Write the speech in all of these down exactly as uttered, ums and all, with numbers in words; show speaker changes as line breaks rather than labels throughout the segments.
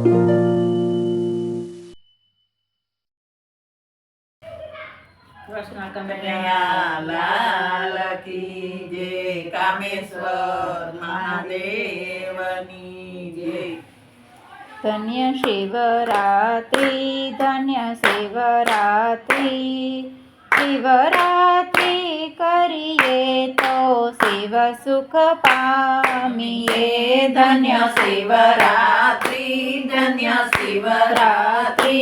કૃષ્ણ કનૈયા લાલ કી જય, કામેશ્વર મહાદેવની જય.
ધન્ય શિવરાત્રિ, ધન્ય શિવરાત્રિ, શિવરાત્રિ કરીએ તો શિવ સુખ પામીએ.
ધન્ય શિવરાત્રિ, ધન્ય શિવરાત્રિ,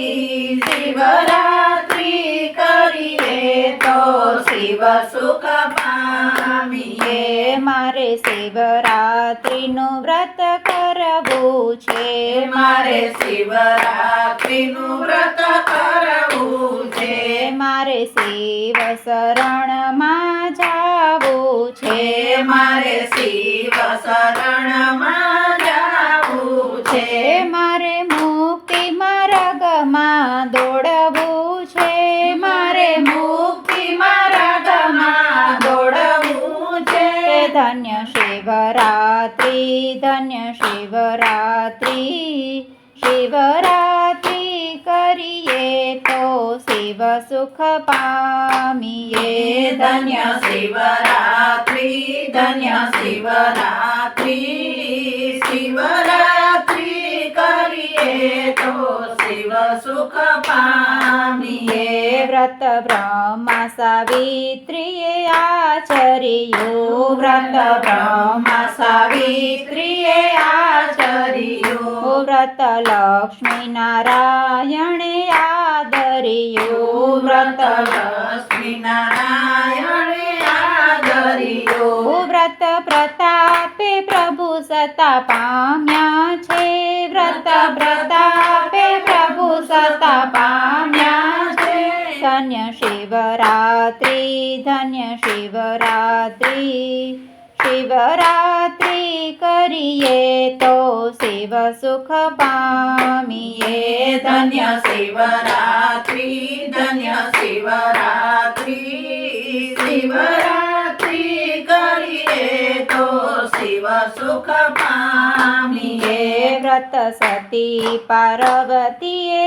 શિવરાત્રિ કરીએ તો શિવ સુખ પામીએ.
મારે શિવરાત્રિનું વ્રત કરવું છે,
મારે શિવરાત્રિનું વ્રત કરવું છે,
મારે શિવ શરણમાં જાવું છે,
મારે શિવ શરણમાં જાવું છે,
મારે મુક્તિ માર્ગમાં દોડવું છે,
મારે મુક્તિ માર્ગમાં દોડવું છે.
ધન્ય શિવરાત્રિ, ધન્ય શિવરાત્રિ, શિવરાત્રિ કરીએ તો શિવ સુખ પામીએ.
ધન્ય શિવરાત્રિ, ધન્ય શિવરાત્રિ, શિવરાત્રિ કરીએ તો શિવ સુખ પામીએ.
વ્રત બ્રહ્મા સાવિત્રીએ આચર્યું,
વ્રત બ્રહ્મા સાવિત્રીએ આચર્યું,
વ્રત લક્ષ્મી નારાયણે આદર્યું,
વ્રત લક્ષ્મી નારાયણે આદર્યું,
વ્રત પ્રતાપે પ્રભુ સતા પામ્યા છે, વ્રત પ્રતાપે પ્રભુ સતા પામ્યા છે. ધન્ય શિવરાત્રિ, ધન્ય શિવરાત્રિ, શિવરાત્રિ કરીએ તો શિવ સુખ પામીએ.
ધન્ય શિવરાત્રિ, ધન્ય શિવરાત્રિ, શિવરાત્રિ કરીએ તો શિવ સુખ પામીએ.
વ્રત સતી પાર્વતીએ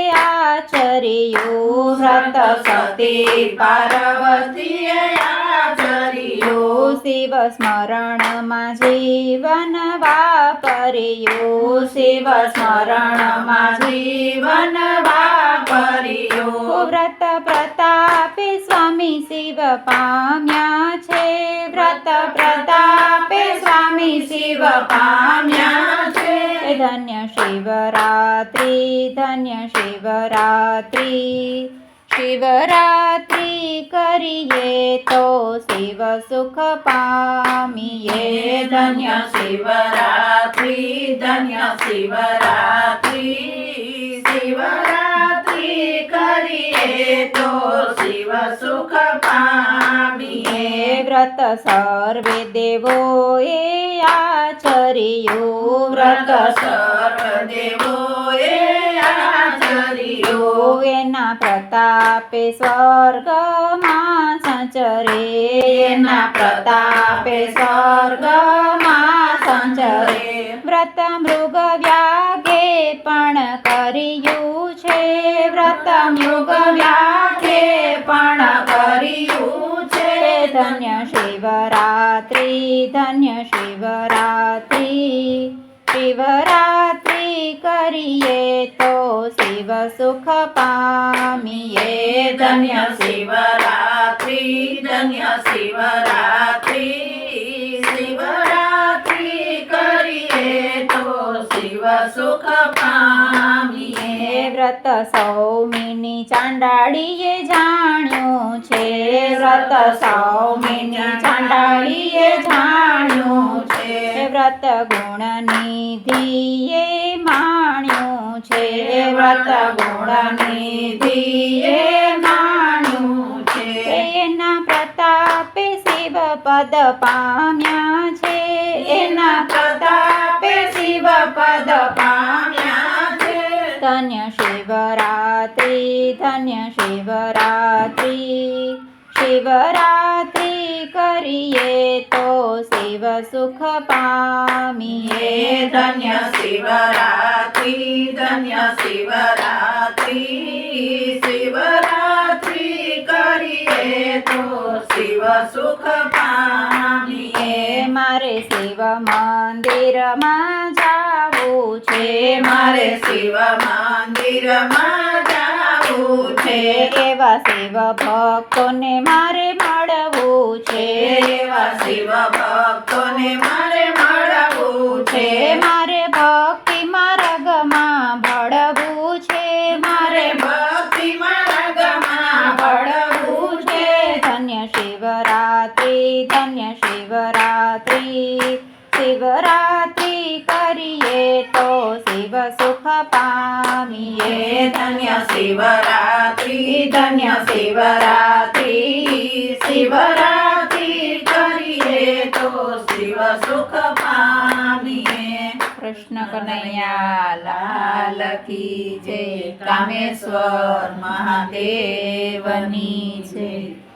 આચર્યું,
વ્રત સતી પાર્વતીએ આચર્યું,
શિવ સ્મરણમાં જીવન વાપર્યું,
શિવ સ્મરણમાં જીવન વાપર્યું.
વ્રત પ્રતાપે સ્વામી શિવ પામ્યા છે, વ્રત પ્રતાપે સ્વામી શિવ
પામ્યા છે.
ધન્ય શિવરાત્રિ, ધન્ય શિવરાત્રિ, શિવરાત્રિ કરીએ તો શિવ સુખ પામીએ.
ધન્ય શિવરાત્રિ, ધન્ય શિવરાત્રિ, શિવરાત્રિ કરીએ તો શિવ સુખ પામીએ.
વ્રત સર્વે દેવોએ આચર્યું,
વ્રત સર્વ દેવોએ આચર્યું,
એના પ્રતાપે સ્વર્ગમાં સંચરે,
એના પ્રતાપે સ્વર્ગમાં સંચરે.
વ્રત મૃગ વ્યાગે પણ કર્યું છે, વ્રત
મૃગ વ્યાઘે પણ કર્યું છે.
ધન્ય શિવરાત્રિ, ધન્ય શિવરાત્રિ, શિવરાત્રિ કરીએ તો શિવ સુખ પામીએ.
ધન્ય શિવરાત્રિ, ધન્ય શિવરાત્રિ, શિવરાત્રિ કરીએ તો શિવ સુખ પામીએ.
વ્રત સૌમિની ચાંડાળીએ જાણ્યું છે, વ્રત સૌમિની ચાંડાળીએ જાણ્યું છે. વ્રત ગુણનિધિએ માણ્યું છે,
વ્રત ગુણનિધિએ માણ્યું છે.
એના પ્રતાપે શિવ પદ પામ્યા છે,
એના પ્રતાપે શિવ પદ પામ્યા છે.
ધન્ય શિવરાત્રિ, ધન્ય શિવરાત્રિ, શિવરાત્રિ કરીએ તો શિવ સુખ પામીએ
હે ધન્ય શિવરાત્રી ધન્ય શિવરાત્રી શિવરાત્રી કરીએ તો શિવ સુખ પામીએ
એ મારે શિવ મંદિરમાં જાવું છે
મારે શિવ મંદિરમાં જાવું છે
એવા શિવ ભક્તોને મારે મળવું છે
એવા શિવ ભક્તોને મારે મળવું છે
મારે ભક્તિ માર્ગમાં ભળવું છે
મારે ભક્તિ માર્ગમાં ભળવું છે
ધન્ય શિવરાત્રી ધન્ય શિવરાત્રી શિવરાત્રી કરીએ તો શિવ સુખ પામીએ
હે ધન્ય શિવરાત્રી ધન્ય શિવરાત્રી શિવરાત્રી કરીએ તો શિવ સુખ પામીએ
કૃષ્ણ કનૈયા
લાલ કી જય કામેશ્વર મહાદેવની જય